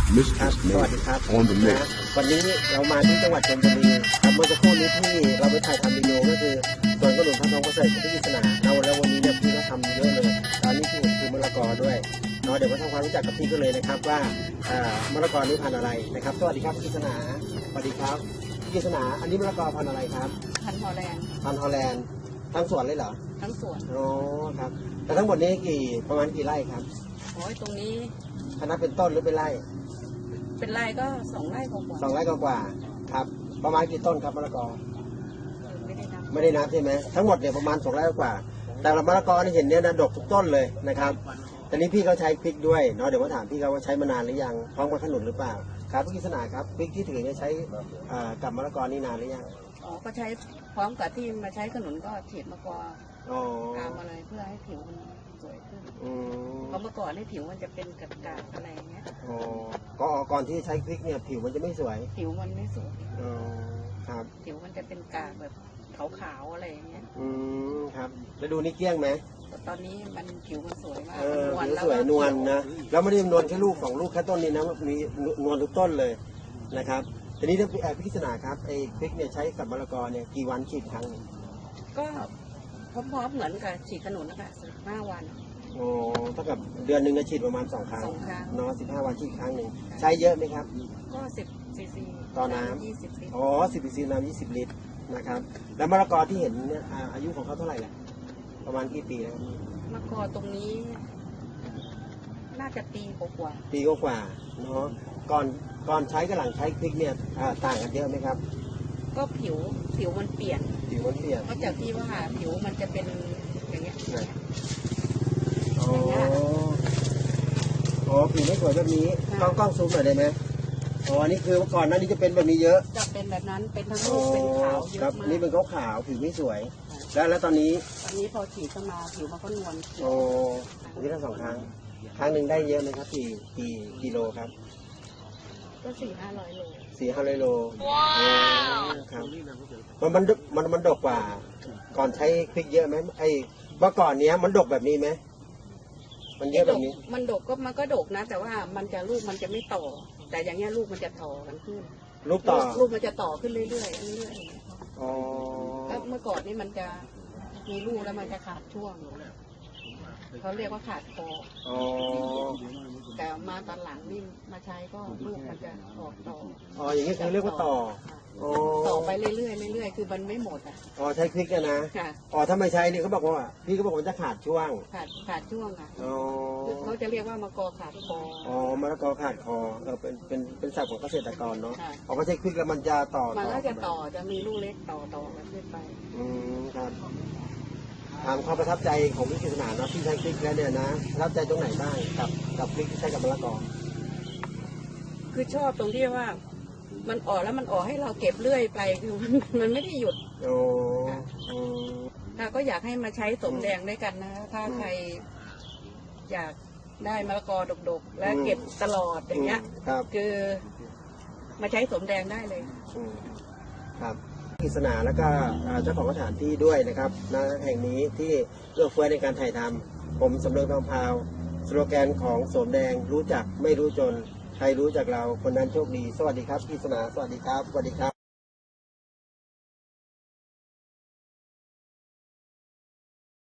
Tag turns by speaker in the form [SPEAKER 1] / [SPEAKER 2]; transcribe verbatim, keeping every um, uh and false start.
[SPEAKER 1] ครับสวัสดีครับนะวันนี้เรามาที่จังหวัดชลบุรีครับเมื่อสักครู่นี้ที่เราไปถ่ายทำวิดีโอก็คือสวนกระหนุนพันธุ์ทองเกษตรที่กิษณาเราแล้ววันนี้เนี่ยพี่ก็ทำเยอะเลยตอนนี้ที่เห็นคือมะละกอด้วยเนาะเดี๋ยวมาทำความรู้จักกับพี่กันเลยนะครับว่ามะละกอนี้พันธุ์อะไรนะครับสวัสดีครับพี่กิษณาสวัสดีครับพี่กิษณาอันนี้มะละกอพันธุ์อะไรครับ
[SPEAKER 2] พันธุ์ฮอลแลนด์
[SPEAKER 1] พันธุ์ฮอลแลนด์ทั้งสวนเลยเหรอ
[SPEAKER 2] ทั้งสวน
[SPEAKER 1] โอ้ครับแต่ทั้งหมดนี้กี่ประมาณกี่ไร่ครับ
[SPEAKER 2] โอ้ยตรงนี้
[SPEAKER 1] คณะเป็นต้นหรือเป็นไร่
[SPEAKER 2] เป็นไร่ก็สองไร่กว่า
[SPEAKER 1] สองไร่กว่าครับประมาณกี่ต้นครับมะละกอ
[SPEAKER 2] ไม่ได้นับ
[SPEAKER 1] ไม่ได้นับใช่ไหมทั้งหมดเนี่ยประมาณสองไร่กว่าแต่ละมะละกอที่เห็นเนี่ยนะดกทุกต้นเลยนะครับตอนนี้พี่เขาใช้พริกด้วยเนาะเดี๋ยวมาถามพี่เขาว่าใช้มานานหรือยังพร้อมกับขนุนหรือเปล่าครับพี่กิษณาครับพริกที่ถือเนี่ยใช้กับมะละกอนี่นานหรือยัง
[SPEAKER 2] อ๋อก็ใช้พร้อมกับที่มาใช้ขนุนก็ฉีดมะกอกามอะไรเพื่อให้ผิวมันสวยขึ้นเพราะเมื่อก่อนนี่ผิวมันจะเป็นกระกาอะไรเงี้ย
[SPEAKER 1] อ๋อก็ก่อนที่ใช้พริกเนี่ยผิวมันจะไม่สวย
[SPEAKER 2] ผิวมันไม่สวย
[SPEAKER 1] อ๋อครับ
[SPEAKER 2] ผิวมันจะเป็นกากแบบขาวๆอะไรเงี้ย
[SPEAKER 1] อืมครับแล้วดูนี่เกลี้ยงไหม
[SPEAKER 2] ตอนนี้มันผิวมันสวยมาก
[SPEAKER 1] นวลสวยนวลนะแล้วไม่ได้นวลแค่ลูกสองลูกแค่ต้นนี้นะมีนวลทุกต้นเลยนะครับทีนี้พี่กิษณาครับไอ้พริกเนี่ยใช้กับมะละกอเนี่ยกี่วันฉีดครั้ง
[SPEAKER 2] ก็พร้อมๆเหมือนกับฉีดขนุนนะคะสิบห้าวัน
[SPEAKER 1] โอ้เท่ากับเดือนหนึ่งจะฉีดประมาณสองครั้งเนาะสิบห้าวันฉีดครั้งหนึ่งใช้เยอะไหมครับ
[SPEAKER 2] ก็สิบซีซี
[SPEAKER 1] ต่อน้ำยี่สิบลิตรอ๋อสิบซีซีน้ำยี่สิบลิตรนะครับแล้วมะละกอที่เห็นเนี่ยอายุของเขาเท่าไหร่ล่ะประมาณกี่ปีแล้ว
[SPEAKER 2] มะละกอตรงนี้น่าจะปีกว่า
[SPEAKER 1] ปีกว่าเนาะก่อนก่อนใช้กับหลังใช้พริกเนี่ยต่างกันเยอะไหมครับ
[SPEAKER 2] ก็ผิวผิวมันเปลี่ยน
[SPEAKER 1] ผิวมันเปลี่ยน
[SPEAKER 2] เพราะจากที่ว่าผิวมันจะเป็นอย่างเงี้ย
[SPEAKER 1] อ๋ออ๋อผิวไม่สวยแบบนี้กล้องกล้องซูมหน่อยได้ไหมอ๋อนี่คือเมื่อก่อนนั้นนี่จะเป็นแบบนี้เยอะ
[SPEAKER 2] จะเป็นแบบนั้นเป็นทั้งลูกเป็นขาวเยอะมาก
[SPEAKER 1] นี่เป็นขาวขาวผิวไม่สวยแล้วแล้วตอนนี้
[SPEAKER 2] ตอนนี้พอฉีดเข้ามาผิวมันก็นวล
[SPEAKER 1] โอ้ที่ทั้งสองครั้งครั้งหนึ่งได้เยอะไหมครับกี่กี่กิโลครับ
[SPEAKER 2] ก็สี่ห้าร้อยโล
[SPEAKER 1] สี่ห้าร้อยโลว้าวครับมันมันมันมันดกกว่าก่อนใช้พริกเยอะไหมไอ้เมื่อก่อนเนี้ยมันดกแบบนี้ไหมมันเยอะแบบนี้
[SPEAKER 2] มันดกก็มันก็ดกนะแต่ว่ามันจะลูกมันจะไม่ต่อแต่อย่างเงี้ยลูกมันจะต่อกันขึ้น
[SPEAKER 1] ลูกต่อ
[SPEAKER 2] ลูกมันจะต่อขึ้นเรื่อยๆเรื่อย
[SPEAKER 1] ๆอ๋อ
[SPEAKER 2] แล้วเมื่อก่อนนี่มันจะมีลูกแล้วมันจะขาดช่วงเขาเรียกว่าขาดคออ๋อแต่มาตอนหลังนี่มาใช้ก็ลูกมันจะออกต่อ
[SPEAKER 1] อ๋ออย่างนี้คือเรียกว่าต่อ
[SPEAKER 2] ต่อไปเรื่อยๆเรื่อยๆคือมันไม่หมดอ่ะ
[SPEAKER 1] อ๋อใช้พริกนะอ๋อถ้าไม่ใช้นี่เขาบอกว่าพี่เขาบอกว่าจะขาดช่วง
[SPEAKER 2] ขาดขาดช่วงอ่ะอ๋อเขาจะเรียกว่ามะกอขาดคอ
[SPEAKER 1] อ๋อมะละกอขาดคอเออเป็นเป็นเป็นศัพท์ของเกษตรกรเนาะพอมาใช้พริกแล้วมันจะต่อ
[SPEAKER 2] มันก็จะต่อจะมีลูกเล็กต่อต่อกันขึ้นไป
[SPEAKER 1] อืมครับถามความประทับใจของพี่กิษณาเนาะพี่ใช้พริกแล้วเนี่ยนะประทับใจตรงไหนบ้างกับกับพริกที่ใช้กับมะละกอ
[SPEAKER 2] คือชอบตรงที่ว่ามันออกแล้วมันออกให้เราเก็บเรื่อยไปคือมันมันไม่ได้หยุด
[SPEAKER 1] โอ้
[SPEAKER 2] เราก็อยากให้มาใช้สมแดงด้วยกันนะถ้าใครอยากได้มะละกอดกๆและเก็บตลอดอย่างเงี้ยคือมาใช้สมแดงได้เลย
[SPEAKER 1] ครับกิษณาแล้วก็เจ้าของสถานที่ด้วยนะครับณแห่งนี้ที่เอื้อเฟื้อในการถ่ายทำผมสำเริงทองพาวสโลแกนของสมแดงรู้จักไม่รู้จนใครรู้จักเราคนนั้นโชคดีสวัสดีครับกิษณาสวัสดีครับสวัสดีครับ